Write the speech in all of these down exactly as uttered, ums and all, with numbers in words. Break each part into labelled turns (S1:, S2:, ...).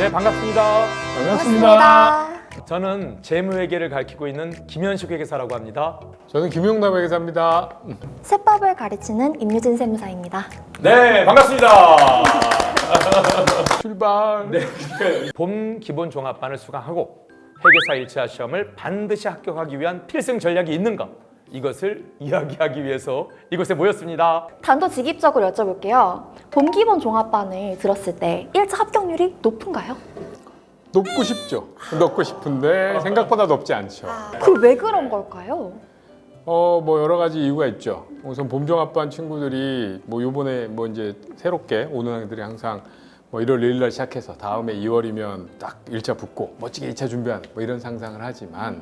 S1: 네, 반갑습니다.
S2: 반갑습니다.
S1: 저는 재무회계를 가르치고 있는 김현식 회계사라고 합니다.
S3: 저는 김용남 회계사입니다.
S2: 세법을 가르치는 임유진 세무사입니다.
S1: 네, 반갑습니다.
S3: 출발.
S1: 네, 봄 기본 종합반을 수강하고 회계사 일 차 시험을 반드시 합격하기 위한 필승 전략이 있는가? 이것을 이야기하기 위해서 이곳에 모였습니다.
S2: 단도직입적으로 여쭤볼게요. 봄 기본 종합반을 들었을 때 일 차 합격률이 높은가요?
S3: 높고 싶죠. 높고 싶은데 생각보다 높지 않죠.
S2: 그 왜 그런 걸까요?
S3: 어, 뭐 여러 가지 이유가 있죠. 우선 봄종합반 친구들이 뭐 요번에 뭐 이제 새롭게 오는 학생들이 항상 뭐 일월 일일 날 시작해서 다음에 이월이면 딱 일 차 붙고 멋지게 이 차 준비하는 뭐 이런 상상을 하지만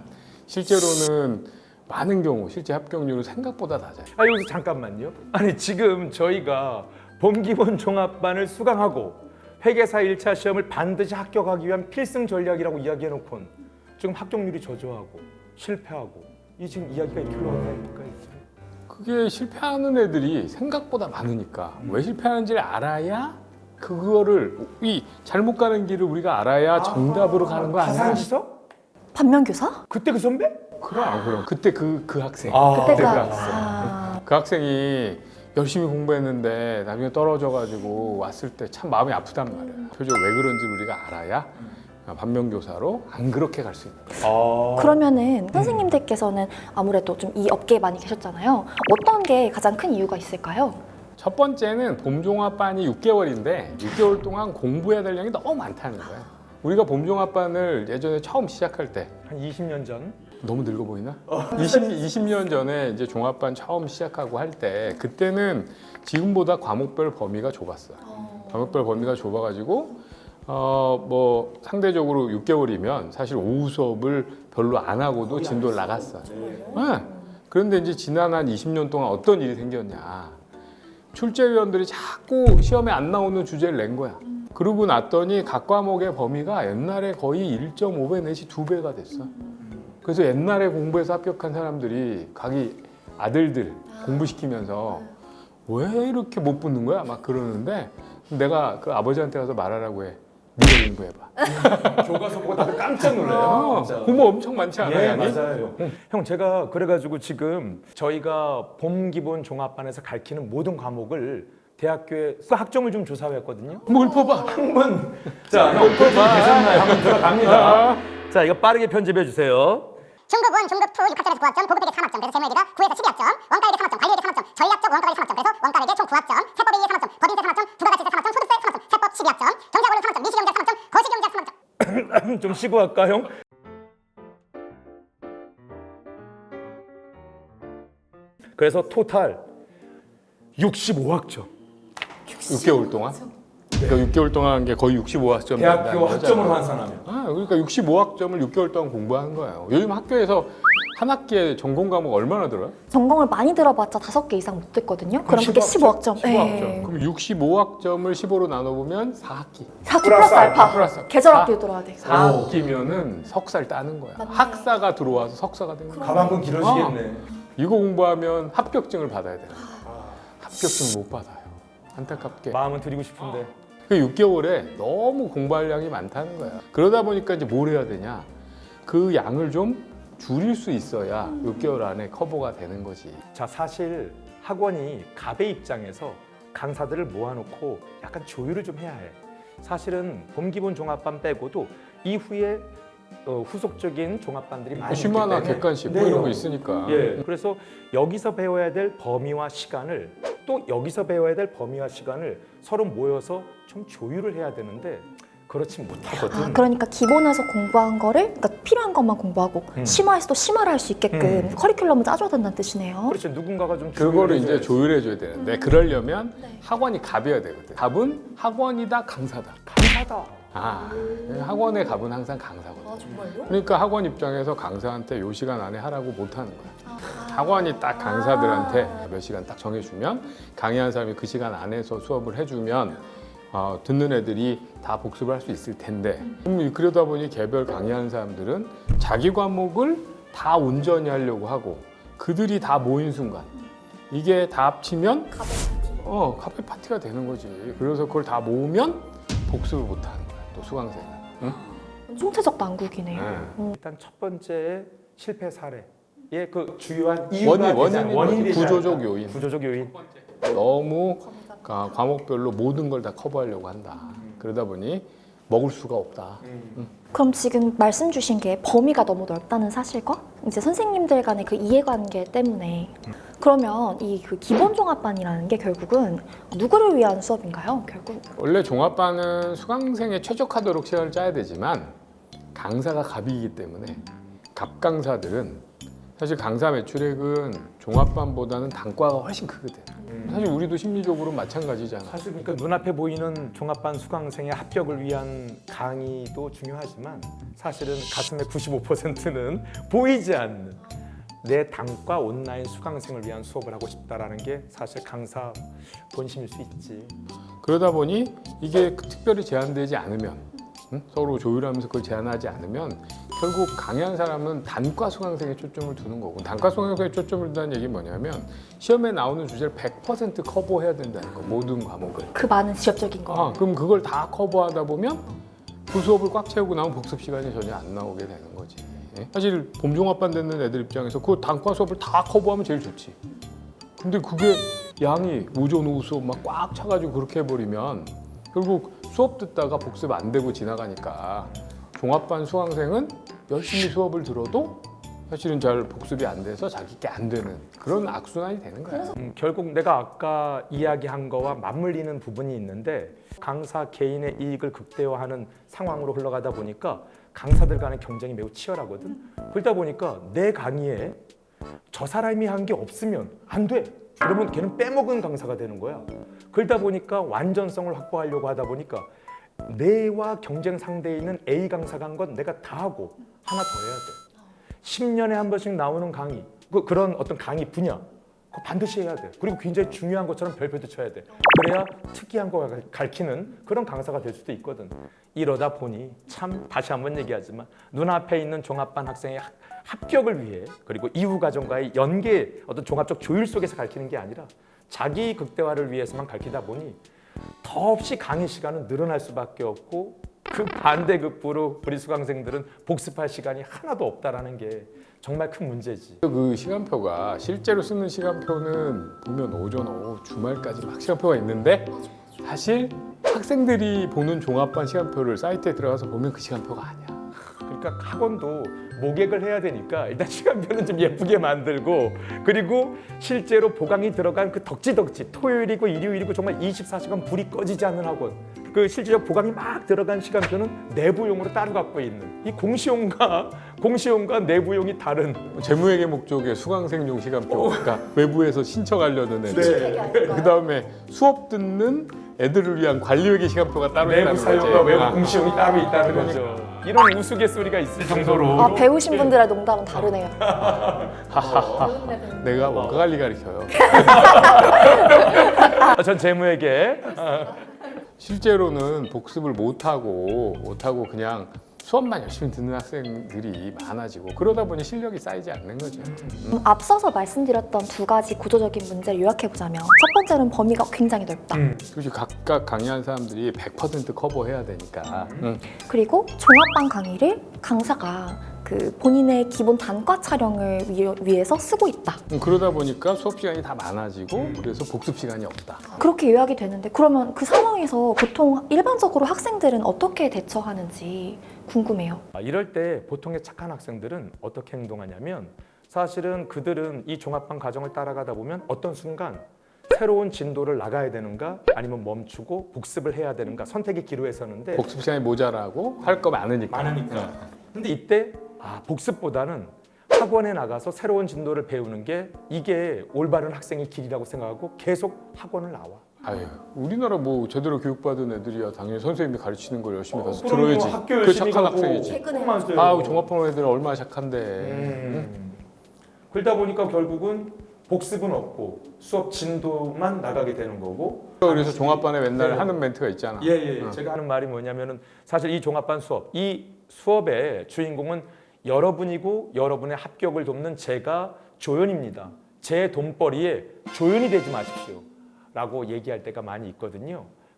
S3: 실제로는 많은 경우 실제 합격률은 생각보다 낮아요.
S1: 아, 여기서 잠깐만요. 아니, 지금 저희가 봄 기본 종합반을 수강하고 회계사 일 차 시험을 반드시 합격하기 위한 필승 전략이라고 이야기해놓고는 지금 합격률이 저조하고 실패하고 이 지금 이야기가 이렇게 흘러가니까
S3: 그게 실패하는 애들이 생각보다 많으니까 왜 실패하는지를 알아야 그거를 이 잘못 가는 길을 우리가 알아야 정답으로 가는 거 아니야?
S1: 가상지석?
S2: 반면교사?
S1: 그때 그 선배?
S3: 그럼 그럼 그때 그 그 학생
S1: 아,
S2: 그때 그
S3: 그
S2: 학-
S3: 학생
S2: 아,
S3: 그 학생이 열심히 공부했는데 나중에 떨어져가지고 왔을 때 참 마음이 아프단 말이야. 표적 왜 그런지 우리가 알아야 반면교사로 안 그렇게 갈 수 있는 거야.
S1: 아.
S2: 그러면은 선생님들께서는 아무래도 좀 이 업계에 많이 계셨잖아요. 어떤 게 가장 큰 이유가 있을까요?
S3: 첫 번째는 봄종합반이 육 개월인데 육 개월 동안 공부해야 될 양이 너무 많다는 거야. 우리가 봄종합반을 예전에 처음 시작할 때
S1: 한 이십 년 전?
S3: 너무 늙어 보이나? 이십, 이십 년 전에 이제 종합반 처음 시작하고 할 때 그때는 지금보다 과목별 범위가 좁았어요. 과목별 범위가 좁아가지고 어 뭐 상대적으로 육 개월이면 사실 오후 수업을 별로 안 하고도 진도를 나갔어요. 네. 그런데 이제 지난 한 이십 년 동안 어떤 일이 생겼냐? 출제위원들이 자꾸 시험에 안 나오는 주제를 낸 거야. 그러고 났더니 각 과목의 범위가 옛날에 거의 일 점 오 배 내지 두 배가 됐어. 그래서 옛날에 공부해서 합격한 사람들이 자기 아들들 공부시키면서 왜 이렇게 못 붙는 거야? 막 그러는데 내가 그 아버지한테 가서 말하라고 해. 네가 공부해봐.
S1: 교과서 보고 다들 깜짝 놀라요.
S3: 어,
S1: 진짜.
S3: 공부 엄청 많지 않아요?
S1: 예,
S3: 양이?
S1: 맞아요. 형, 제가 그래가지고 지금 저희가 봄 기본 종합반에서 가르치는 모든 과목을 대학교에 그 학점을 좀 조사했거든요.
S3: 뭘 뽑아?
S1: 한번 자, 형 표준 계산나요? 한번 들어갑니다. 자, 이거 빠르게 편집해 주세요.
S4: 중급 일, 중급 이, 육학점에서 구 학점, 보급회계 삼 학점, 그래서 재무회계가 구에서 십이 학점, 원가회계 삼 학점, 관리회계 삼 학점, 전략적 원가회계 삼 학점, 그래서 원가회계 총 구 학점, 세법회계 삼 학점, 법인세 삼 학점, 부가가치세 삼 학점, 소득세 삼 학점, 세법 십이 학점, 경제학원료 삼 학점, 미시경제학 삼 학점, 거시경제학 삼 학점.
S1: 좀 쉬고 할까, 형? 그래서 토탈 육십오 학점.
S3: 육 개월 동안? 그러니까 육 개월 동안 한 게 거의 육십오 학점.
S1: 대학교 학점으로 환산하면.
S3: 아, 그러니까 육십오 학점을 육 개월 동안 공부하는 거예요. 요즘 학교에서 한 학기에 전공 과목 얼마나 들어요?
S2: 전공을 많이 들어봤자 다섯 개 이상 못 듣거든요. 그럼 그게 십오 학점.
S3: 십오 학점. 그럼 육십오 학점을 십오로 나눠보면 사 학기.
S2: 사 학기 플러스 알파.
S3: 플러스 알파.
S2: 계절
S3: 사-
S2: 학기 들어야 돼.
S3: 사 학기면은 석사를 따는 거야.
S2: 맞네.
S3: 학사가 들어와서 석사가 되는 거야.
S1: 가방끈 길어지겠네.
S3: 이거 공부하면 합격증을 받아야 돼요. 합격증을 못 받아요. 안타깝게.
S1: 마음은 드리고 싶은데.
S3: 그 육 개월에 너무 공부할 양이 많다는 거야. 그러다 보니까 이제 뭘 해야 되냐? 그 양을 좀 줄일 수 있어야 육 개월 안에 커버가 되는 거지.
S1: 자, 사실 학원이 갑의 입장에서 강사들을 모아놓고 약간 조율을 좀 해야 해. 사실은 봄 기본 종합반 빼고도 이후에 어, 후속적인 종합반들이 많이 있기
S3: 슈마나
S1: 때문에
S3: 객관식
S1: 네,
S3: 뭐 이런 거
S1: 형.
S3: 있으니까.
S1: 예, 그래서 여기서 배워야 될 범위와 시간을 또 여기서 배워야 될 범위와 시간을 서로 모여서 좀 조율을 해야 되는데 그렇지 못하거든.
S2: 아, 그러니까 기본에서 공부한 거를 그러니까 필요한 것만 공부하고
S1: 음.
S2: 심화해서 또 심화를 할 수 있게끔
S1: 음.
S2: 커리큘럼을 짜줘야 된다는 뜻이네요.
S1: 그렇죠. 누군가가 좀
S3: 그거를 이제
S1: 조율해줘야지.
S3: 조율해줘야 되는데 그러려면
S2: 네.
S3: 학원이 갑이어야 되거든. 갑은 학원이다 강사다.
S1: 강사다.
S3: 아, 학원의 갑은 항상 강사거든.
S2: 아 정말요?
S3: 그러니까 학원 입장에서 강사한테 요 시간 안에 하라고 못 하는 거야.
S2: 아.
S3: 학원이 딱 강사들한테 몇 시간 딱 정해주면 강의한 사람이 그 시간 안에서 수업을 해주면 어, 듣는 애들이 다 복습을 할 수 있을 텐데 그럼 그러다 보니 개별 강의하는 사람들은 자기 과목을 다 온전히 하려고 하고 그들이 다 모인 순간 이게 다 합치면 어 카페 파티가 되는 거지. 그래서 그걸 다 모으면 복습을 못 하는 거야. 또 수강생은. 응?
S2: 총체적 난국이네요.
S3: 네.
S1: 일단 첫 번째 실패 사례의 그 주요한 이유가
S3: 원인,
S1: 되지 않-
S3: 원인이
S1: 원인이 되지
S3: 구조적
S1: 않을까?
S3: 요인.
S1: 구조적 요인.
S3: 너무 가- 과목별로 모든 걸 다 커버하려고 한다. 그러다 보니 먹을 수가 없다.
S2: 그럼 지금 말씀 주신 게 범위가 너무 넓다는 사실과 이제 선생님들 간의 그 이해관계 때문에 그러면 이 그 기본 종합반이라는 게 결국은 누구를 위한 수업인가요? 결국
S3: 원래 종합반은 수강생에 최적화도록 시간을 짜야 되지만 강사가 갑이기 때문에 갑 강사들은 사실 강사 매출액은 종합반보다는 단과가 훨씬 크거든. 사실 우리도 심리적으로 마찬가지잖아.
S1: 사실 그러니까 눈앞에 보이는 종합반 수강생의 합격을 위한 강의도 중요하지만 사실은 가슴의 구십오 퍼센트는 보이지 않는 내 단과 온라인 수강생을 위한 수업을 하고 싶다라는 게 사실 강사 본심일 수 있지.
S3: 그러다 보니 이게 특별히 제한되지 않으면 응? 서로 조율하면서 그걸 제한하지 않으면 결국 강의한 사람은 단과 수강생에 초점을 두는 거고 단과 수강생에 초점을 둔다는 얘기는 뭐냐면 시험에 나오는 주제를 백 퍼센트 커버해야 된다는 거 모든 과목을.
S2: 그 많은 지엽적인 거.
S3: 아, 그럼 그걸 다 커버하다 보면 그 수업을 꽉 채우고 나면 복습 시간이 전혀 안 나오게 되는 거지. 예? 사실 봄종합반 듣는 애들 입장에서 그 단과 수업을 다 커버하면 제일 좋지. 근데 그게 양이 오전 오후 수업 막 꽉 차가지고 그렇게 해버리면 결국 수업 듣다가 복습 안 되고 지나가니까 종합반 수강생은 열심히 수업을 들어도 사실은 잘 복습이 안 돼서 자기 게 안 되는 그런 악순환이 되는 거야.
S1: 음, 결국 내가 아까 이야기한 거와 맞물리는 부분이 있는데 강사 개인의 이익을 극대화하는 상황으로 흘러가다 보니까 강사들 간의 경쟁이 매우 치열하거든. 그러다 보니까 내 강의에 저 사람이 한 게 없으면 안 돼. 그러면 걔는 빼먹은 강사가 되는 거야. 그러다 보니까 완전성을 확보하려고 하다 보니까 내와 경쟁 상대에 있는 A 강사가 한 건 내가 다 하고 하나 더 해야 돼. 십 년에 한 번씩 나오는 강의, 그, 그런 어떤 강의 분야 그거 반드시 해야 돼. 그리고 굉장히 중요한 것처럼 별표도 쳐야 돼. 그래야 특이한 거 가르치는 그런 강사가 될 수도 있거든. 이러다 보니 참 다시 한번 얘기하지만 눈앞에 있는 종합반 학생의 학- 합격을 위해 그리고 이후 과정과의 연계 어떤 종합적 조율 속에서 가르치는 게 아니라 자기 극대화를 위해서만 가르치다 보니 더없이 강의 시간은 늘어날 수밖에 없고 그 반대급부로 우리 수강생들은 복습할 시간이 하나도 없다라는 게 정말 큰 문제지.
S3: 그 시간표가 실제로 쓰는 시간표는 보면 오전 오후 주말까지 막 시간표가 있는데 사실 학생들이 보는 종합반 시간표를 사이트에 들어가서 보면 그 시간표가 아니야.
S1: 그러니까 학원도 모객을 해야 되니까 일단 시간표는 좀 예쁘게 만들고 그리고 실제로 보강이 들어간 그 덕지덕지 토요일이고 일요일이고 정말 이십사 시간 불이 꺼지지 않는 학원 그 실제로 보강이 막 들어간 시간표는 내부용으로 따로 갖고 있는 이 공시용과 공시용과 내부용이 다른
S3: 재무회계 목적의 수강생용 시간표 그러니까 외부에서 신청하려는 애들
S1: 네.
S3: 그 다음에 수업 듣는 애들을 위한 관리회계 시간표가 따로
S1: 내부
S3: 있다는
S1: 사용과
S3: 거지.
S1: 외부
S3: 아.
S1: 공시용이 따로 있다는 거죠. 이런 우스갯소리가 있을 정도로
S2: 아, 배우신 분들의 농담은 다르네요.
S3: 내가 원가 관리 가르쳐요.
S1: 아, 전 재무에게
S3: 실제로는 복습을 못하고 못하고 그냥 수업만 열심히 듣는 학생들이 많아지고 그러다 보니 실력이 쌓이지 않는 거죠.
S2: 음, 앞서서 말씀드렸던 두 가지 구조적인 문제를 요약해보자면 첫 번째는 범위가 굉장히 넓다.
S1: 음.
S3: 그렇지 각각 강의한 사람들이 백 퍼센트 커버해야 되니까. 응.
S2: 그리고 종합반 강의를 강사가 그 본인의 기본 단과 촬영을 위, 위해서 쓰고 있다.
S3: 응, 그러다 보니까 수업 시간이 다 많아지고 그래서 복습 시간이 없다.
S2: 그렇게 요약이 되는데 그러면 그 상황에서 보통 일반적으로 학생들은 어떻게 대처하는지 궁금해요.
S1: 아, 이럴 때 보통의 착한 학생들은 어떻게 행동하냐면 사실은 그들은 이 종합반 과정을 따라가다 보면 어떤 순간 새로운 진도를 나가야 되는가 아니면 멈추고 복습을 해야 되는가 선택의 기로에 서는데
S3: 복습 시간이 모자라고 할 거 많으니까.
S1: 많으니까. 근데 이때 아, 복습보다는 학원에 나가서 새로운 진도를 배우는 게 이게 올바른 학생의 길이라고 생각하고 계속 학원을 나와.
S3: 아유, 우리나라 뭐 제대로 교육받은 애들이야 당연히 선생님이 가르치는 걸 열심히 가서
S1: 그럼 뭐
S3: 들어야지.
S1: 학교
S3: 그
S1: 열심히
S3: 착한
S1: 가고
S3: 학생이지.
S2: 최근에
S1: 맞아요.
S3: 아우 종합반 애들 얼마나 착한데.
S1: 음. 그러다 보니까 결국은 복습은 없고 수업 진도만 나가게 되는 거고.
S3: 그래서 종합반에 맨날
S1: 네.
S3: 하는 멘트가 있잖아.
S1: 예예.
S3: 어.
S1: 제가 하는 말이 뭐냐면은 사실 이 종합반 수업, 이 수업의 주인공은 여러분이고 여러분의 합격을 돕는 제가 조연입니다. 제 돈벌이에 조연이 되지 마십시오. 라고 얘기할 때가 많이 있거든요.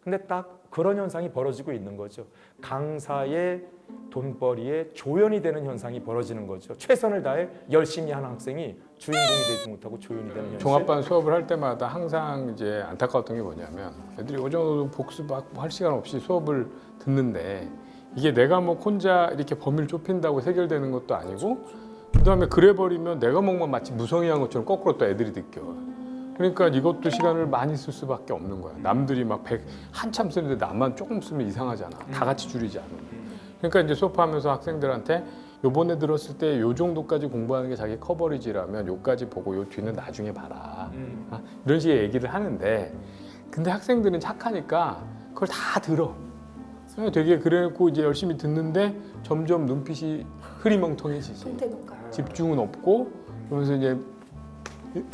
S1: 근데 딱 그런 현상이 벌어지고 있는 거죠. 강사의 돈벌이에 조연이 되는 현상이 벌어지는 거죠. 최선을 다해 열심히 하는 학생이 주인공이 되지 못하고 조연이 되는 현실.
S3: 종합반 수업을 할 때마다 항상 이제 안타까웠던 게 뭐냐면 애들이 어느 정도 복습하고 할 시간 없이 수업을 듣는데 이게 내가 뭐 혼자 이렇게 범위를 좁힌다고 해결되는 것도 아니고 그다음에 그래 버리면 내 과목만 마치 무성의한 것처럼 거꾸로 또 애들이 느껴. 그러니까 이것도 시간을 많이 쓸 수밖에 없는 거야. 남들이 막 백 한참 쓰는데 나만 조금 쓰면 이상하잖아. 다 같이 줄이지 않으면. 그러니까 이제 수업하면서 학생들한테 요번에 들었을 때 요 정도까지 공부하는 게 자기 커버리지라면 요까지 보고 요 뒤는 나중에 봐라.
S1: 음.
S3: 아, 이런 식의 얘기를 하는데 근데 학생들은 착하니까 그걸 다 들어. 되게 그래놓고 이제 열심히 듣는데 점점 눈빛이 흐리멍텅해지지. 집중은 없고 그러면서 이제 응?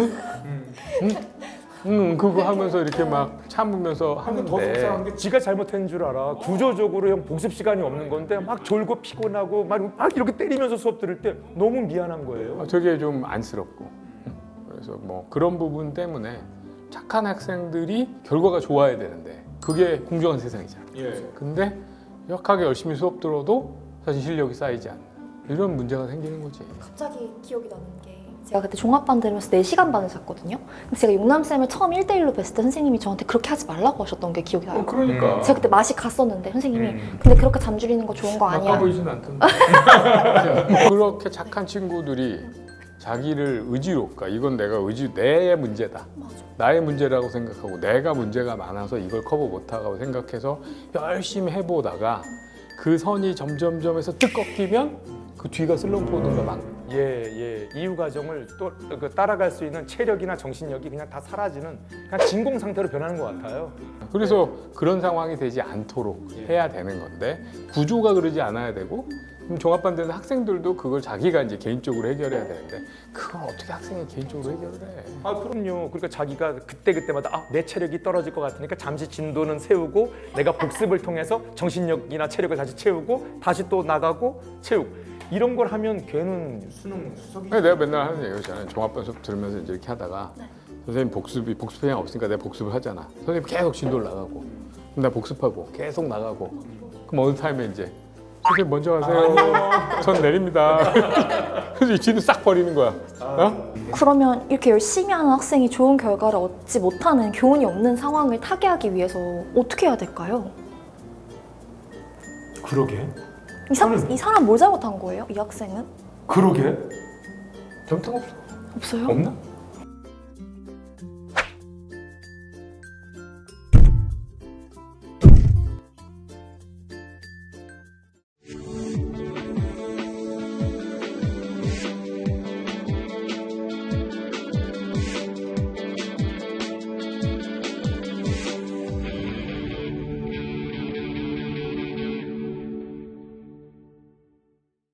S3: 응? 응? 그거 하면서 이렇게 막 참으면서
S1: 더 속상한
S3: 하는데
S1: 게 지가 잘못한 줄 알아. 구조적으로 형 복습 시간이 없는 건데 막 졸고 피곤하고 막, 막 이렇게 때리면서 수업 들을 때 너무 미안한 거예요.
S3: 어, 되게 좀 안쓰럽고 그래서 뭐 그런 부분 때문에 착한 학생들이 결과가 좋아야 되는데 그게 공정한 세상이잖아.
S1: 예.
S3: 근데 역하게 열심히 수업 들어도 사실 실력이 쌓이지 않는 이런 문제가 생기는 거지.
S2: 갑자기 기억이 나는 게 제가 그때 종합반 들으면서 네 시간 반을 잤거든요. 근데 제가 용남쌤을 처음 일 대일로 뵀을 때 선생님이 저한테 그렇게 하지 말라고 하셨던 게 기억이 나요.
S3: 그러니까
S2: 제가 그때 맛이 갔었는데 선생님이
S1: 음.
S2: 근데 그렇게 잠줄이는 거 좋은 거 아니야.
S3: 아까 보이진 않던데. 그렇게 착한 친구들이 자기를 의지로, 그러니까 이건 내가 의지 내 문제다.
S2: 맞아.
S3: 나의 문제라고 생각하고 내가 문제가 많아서 이걸 커버 못하고 생각해서 열심히 해보다가 그 선이 점점점에서 뜩 꺾이면 그 뒤가 슬럼프 오는 거 막.
S1: 예, 예. 이후 과정을 또 그 따라갈 수 있는 체력이나 정신력이 그냥 다 사라지는 그냥 진공 상태로 변하는 것 같아요.
S3: 그래서 그런 상황이 되지 않도록 해야 되는 건데 구조가 그러지 않아야 되고 그럼 종합반 되는 학생들도 그걸 자기가 이제 개인적으로 해결해야 되는데 그걸 어떻게 학생이 개인적으로 해결을 해?
S1: 아 그럼요. 그러니까 자기가 그때 그때마다 아, 내 체력이 떨어질 것 같으니까 잠시 진도는 세우고 내가 복습을 통해서 정신력이나 체력을 다시 채우고 다시 또 나가고 채우고 이런 걸 하면 걔는 수능 수석이.
S3: 내가 맨날 하는 얘기잖아요. 종합반 수업 들으면서 이제 이렇게 하다가 선생님 복습이 복습 시간 없으니까 내가 복습을 하잖아. 선생님 계속 진도를 나가고 그럼 나 복습하고 계속 나가고 그럼 어느 타임에 이제 선생님 먼저 가세요. 전 내립니다. 그래서 이 진도 싹 버리는 거야. 어?
S2: 그러면 이렇게 열심히 하는 학생이 좋은 결과를 얻지 못하는 교훈이 없는 상황을 타개하기 위해서 어떻게 해야 될까요?
S1: 그러게.
S2: 이, 사,
S1: 아니.
S2: 이 사람 뭘 잘못한 거예요? 이 학생은?
S1: 그러게.
S3: 잘못한 거 없어.
S2: 없어요?
S3: 없나?